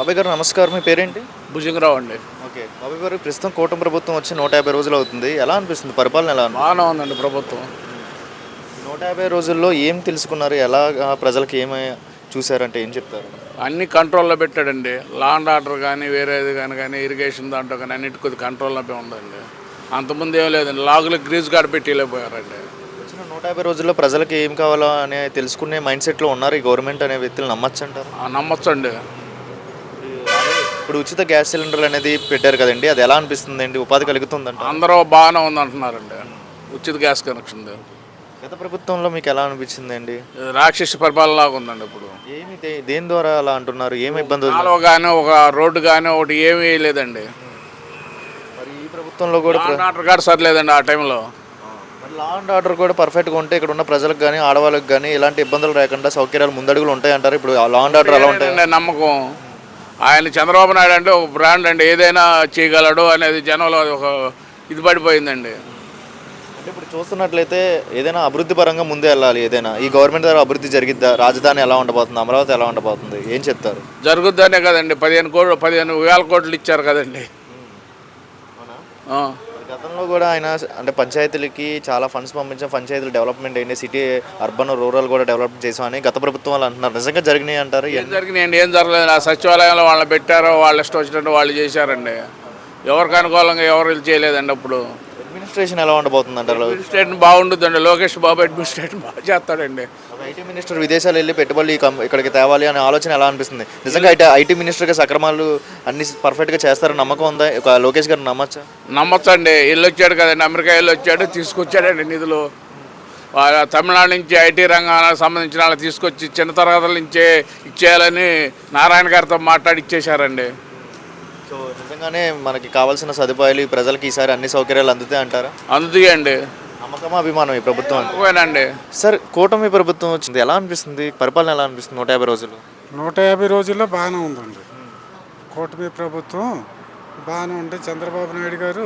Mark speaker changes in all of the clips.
Speaker 1: బాబాయ్ గారు నమస్కారం. మీ పేరేంటి?
Speaker 2: భుజంగరావు అండి.
Speaker 1: ఓకే. బాబాయ్ గారు ప్రస్తుతం కూటమి ప్రభుత్వం వచ్చి 150 రోజులు అవుతుంది. ఎలా అనిపిస్తుంది? పరిపాలన ఎలా ఉంది?
Speaker 2: బాగానే ఉందండి ప్రభుత్వం.
Speaker 1: 150 రోజుల్లో ఏం తెలుసుకున్నారు? ఎలాగా ప్రజలకి ఏమి చూసారంటే ఏం చెప్తారు?
Speaker 2: అన్ని కంట్రోల్లో పెట్టాడండి. లా అండ్ ఆర్డర్ కానీ వేరేది కానీ ఇరిగేషన్ దాంట్లో కానీ అన్నిటి కొద్ది కంట్రోల్లో ఉందండి. అంతకుముందు ఏం లేదండి, లాగులు గ్రీజ్ గార్డ్ పెట్టి వెళ్ళిపోయారండి.
Speaker 1: వచ్చిన 150 రోజుల్లో ప్రజలకి ఏం కావాలో అనే తెలుసుకునే మైండ్ సెట్లో ఉన్నారు ఈ గవర్నమెంట్ అనే వ్యక్తులు. నమ్మచ్చు అంటారు?
Speaker 2: నమ్మొచ్చండి.
Speaker 1: ఇప్పుడు ఉచిత గ్యాస్ సిలిండర్లు అనేది పెట్టారు కదండి, అది ఎలా అనిపిస్తుంది అండి? ఉపాధి కలుగుతుందంట.
Speaker 2: అందరూ బాగానే ఉందంటున్నారండి ఉచిత గ్యాస్ కనెక్షన్.
Speaker 1: గత ప్రభుత్వంలో మీకు ఎలా అనిపించింది అండి?
Speaker 2: రాక్షస పరిపాలన లాగా ఉందండి. ఇప్పుడు
Speaker 1: ఏమి దేని ద్వారా అలా అంటున్నారు? ఏమి ఇబ్బంది?
Speaker 2: కాలువ కానీ ఒక రోడ్డు కానీ ఒకటి ఏమీ లేదండి.
Speaker 1: మరి ఈ ప్రభుత్వంలో కూడా
Speaker 2: ఆర్డర్ కూడా సరిలేదండి ఆ టైంలో.
Speaker 1: మరి లా అండ్ ఆర్డర్ కూడా పర్ఫెక్ట్గా ఉంటే ఇక్కడ ఉన్న ప్రజలకు కానీ ఆడవాళ్ళకి కానీ ఎలాంటి ఇబ్బందులు లేకుండా సౌకర్యాలు ముందడుగులు ఉంటాయంటారు. ఇప్పుడు లా అండ్ ఆర్డర్ ఎలా ఉంటాయి?
Speaker 2: నమ్మకం. ఆయన చంద్రబాబు నాయుడు అంటే ఒక బ్రాండ్ అండి, ఏదైనా చేయగలడు అనేది జనంలో ఒక ఇది పడిపోయిందండి.
Speaker 1: అంటే ఇప్పుడు చూస్తున్నట్లయితే ఏదైనా అభివృద్ధి పరంగా ముందే వెళ్ళాలి. ఏదైనా ఈ గవర్నమెంట్ ద్వారా అభివృద్ధి జరిగిద్దా? రాజధాని ఎలా ఉండబోతుంది? అమరావతి ఎలా ఉండబోతుంది? ఏం చెప్తారు?
Speaker 2: జరుగుద్దనే కదండి 15,000 కోట్లు ఇచ్చారు కదండి.
Speaker 1: గతంలో కూడా ఆయన అంటే పంచాయతీలకి చాలా ఫండ్స్ పంపించాం, పంచాయతీలు డెవలప్మెంట్ అయింది, సిటీ అర్బన్ రూరల్ కూడా డెవలప్ చేసామని గత ప్రభుత్వం వాళ్ళు అంటున్నారు. నిజంగా జరిగినాయి అంటారు?
Speaker 2: ఏం జరిగినాయండి? ఏం జరగలేదు. ఆ సచివాలయంలో వాళ్ళని పెట్టారో వాళ్ళు ఇష్టం వచ్చినట్టు వాళ్ళు చేశారండి. ఎవరికి అనుకూలంగా ఎవరు చేయలేదండి. అప్పుడు
Speaker 1: అడ్మినిస్ట్రేషన్ ఎలా ఉండబోతుంది అంటారు?
Speaker 2: అడ్మినిస్ట్రేషన్ బాగుంటుందండి. లోకేష్ బాబు అడ్మినిస్ట్రేషన్ బాగా చేస్తాడండి.
Speaker 1: ఐటీ మినిస్టర్ విదేశాలు వెళ్ళి పెట్టుబడులు ఇక్కడికి తేవాలి అనే ఆలోచన ఎలా అనిపిస్తుంది? నిజంగా ఐటీ మినిస్టర్గా సక్రమాలు అన్ని పర్ఫెక్ట్గా చేస్తారని నమ్మకం ఉందా? ఒక లోకేష్ గారు నమ్మచ్చా?
Speaker 2: నమ్మచ్చండి. వెళ్ళి వచ్చాడు కదండి, అమెరికా వెళ్ళి వచ్చాడు, తీసుకొచ్చాడండి నిధులు. తమిళనాడు నుంచి ఐటీ రంగానికి సంబంధించిన వాళ్ళు తీసుకొచ్చి చిన్న తరగతుల నుంచే ఇచ్చేయాలని నారాయణ గారితో మాట్లాడి ఇచ్చేశారండి.
Speaker 1: సో నిజంగానే మనకి కావాల్సిన సదుపాయాలు ప్రజలకి ఈసారి అన్ని సౌకర్యాలు అందుతాయి అంటారా?
Speaker 2: అందుతాయండి.
Speaker 1: నమ్మకమా అభిమానం ఈ ప్రభుత్వం?
Speaker 2: ఓకేనండి.
Speaker 1: సార్, కూటమి ప్రభుత్వం వచ్చింది, ఎలా అనిపిస్తుంది? పరిపాలన ఎలా అనిపిస్తుంది 150 రోజులు?
Speaker 3: 150 రోజుల్లో బాగానే ఉందండి. కూటమి ప్రభుత్వం బాగానే ఉంది. చంద్రబాబు నాయుడు గారు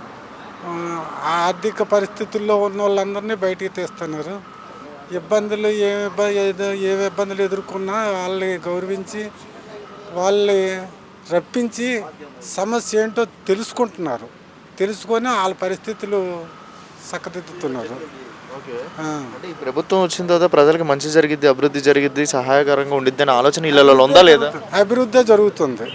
Speaker 3: ఆర్థిక పరిస్థితుల్లో ఉన్న వాళ్ళందరినీ బయటికి తీస్తున్నారు. ఇబ్బందులు ఏ ఇబ్బందులు ఎదుర్కొన్నా వాళ్ళని గౌరవించి వాళ్ళని రప్పించి సమస్య ఏంటో తెలుసుకుంటున్నారు. తెలుసుకొని వాళ్ళ పరిస్థితులు చక్కదిద్దుతున్నారు.
Speaker 1: అంటే ఈ ప్రభుత్వం వచ్చిన తర్వాత ప్రజలకు మంచి జరిగిద్ది, అభివృద్ధి జరిగిద్ది, సహాయకరంగా ఉండిద్ది అనే ఆలోచన ఇళ్ళలో ఉందా లేదా?
Speaker 3: అభివృద్ధి జరుగుతుంది,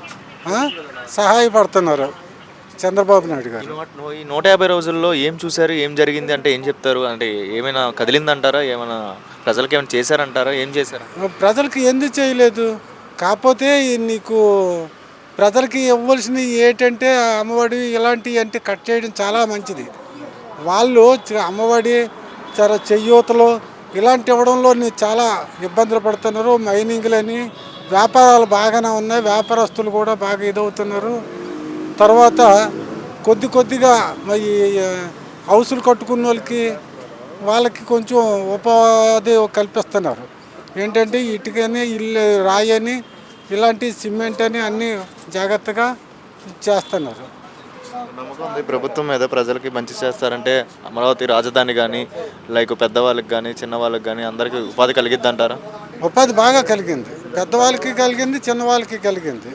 Speaker 3: సహాయపడుతున్నారు చంద్రబాబు నాయుడు గారు.
Speaker 1: ఈ 150 రోజుల్లో ఏం చూశారు? ఏం జరిగింది అంటే ఏం చెప్తారు? అంటే ఏమైనా కదిలిందంటారా? ఏమైనా ప్రజలకు ఏమైనా చేశారంటారా? ఏం చేశారు?
Speaker 3: ప్రజలకి ఎందుకు చేయలేదు? కాకపోతే నీకు ప్రజలకి ఇవ్వాల్సినవి ఏంటంటే అమ్మఒడి ఇలాంటివి అంటే కట్ చేయడం చాలా మంచిది. వాళ్ళు అమ్మఒడి చెయ్యూతలు ఇలాంటి ఇవ్వడంలో చాలా ఇబ్బందులు పడుతున్నారు. మైనింగ్లని వ్యాపారాలు బాగానే ఉన్నాయి, వ్యాపారస్తులు కూడా బాగా ఇదవుతున్నారు. తర్వాత కొద్దిగా మరి హౌసులు కట్టుకున్న వాళ్ళకి కొంచెం ఉపాధి కల్పిస్తున్నారు. ఏంటంటే ఇటుకని ఇల్లు రాయని ఇలాంటి సిమెంట్ అని అన్నీ జాగ్రత్తగా చేస్తున్నారు.
Speaker 1: నమ్మకం ఉంది ప్రభుత్వం మీద, ప్రజలకి మంచి చేస్తారంటే అమరావతి రాజధాని కానీ లైక్ పెద్దవాళ్ళకి కానీ చిన్నవాళ్ళకి కానీ అందరికీ ఉపాధి కలిగిద్ది అంటారా?
Speaker 3: ఉపాధి బాగా కలిగింది, పెద్దవాళ్ళకి కలిగింది, చిన్నవాళ్ళకి కలిగింది.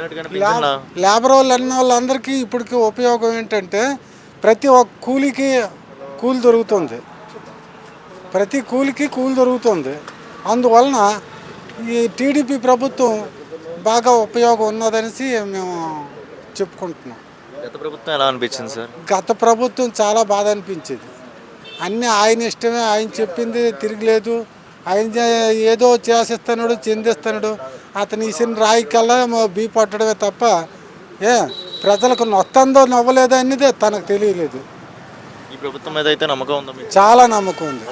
Speaker 3: లేబర్ వాళ్ళు అన్న వాళ్ళందరికీ ఇప్పటికి ఉపయోగం ఏంటంటే ప్రతి ఒక్క కూలి దొరుకుతుంది, ప్రతి కూలికి కూలి దొరుకుతుంది. అందువలన ఈ టీడీపీ ప్రభుత్వం బాగా ఉపయోగం ఉన్నదనేసి మేము చెప్పుకుంటున్నాం.
Speaker 1: గత ప్రభుత్వం ఎలా అనిపించింది సార్?
Speaker 3: గత ప్రభుత్వం చాలా బాధ అనిపించేది. అన్నీ ఆయన ఇష్టమే, ఆయన చెప్పింది తిరగలేదు. ఆయన ఏదో చేసేస్తున్నాడు, చెందిస్తున్నాడు. అతను ఇసిన రాయికల్లా బీ పట్టడమే తప్ప ప్రజలకు నొత్తందో నవ్వలేదో అనేది తనకు తెలియలేదు.
Speaker 1: ఈ ప్రభుత్వం మీద అయితే నమ్మకం ఉందా?
Speaker 3: చాలా నమ్మకం ఉంది.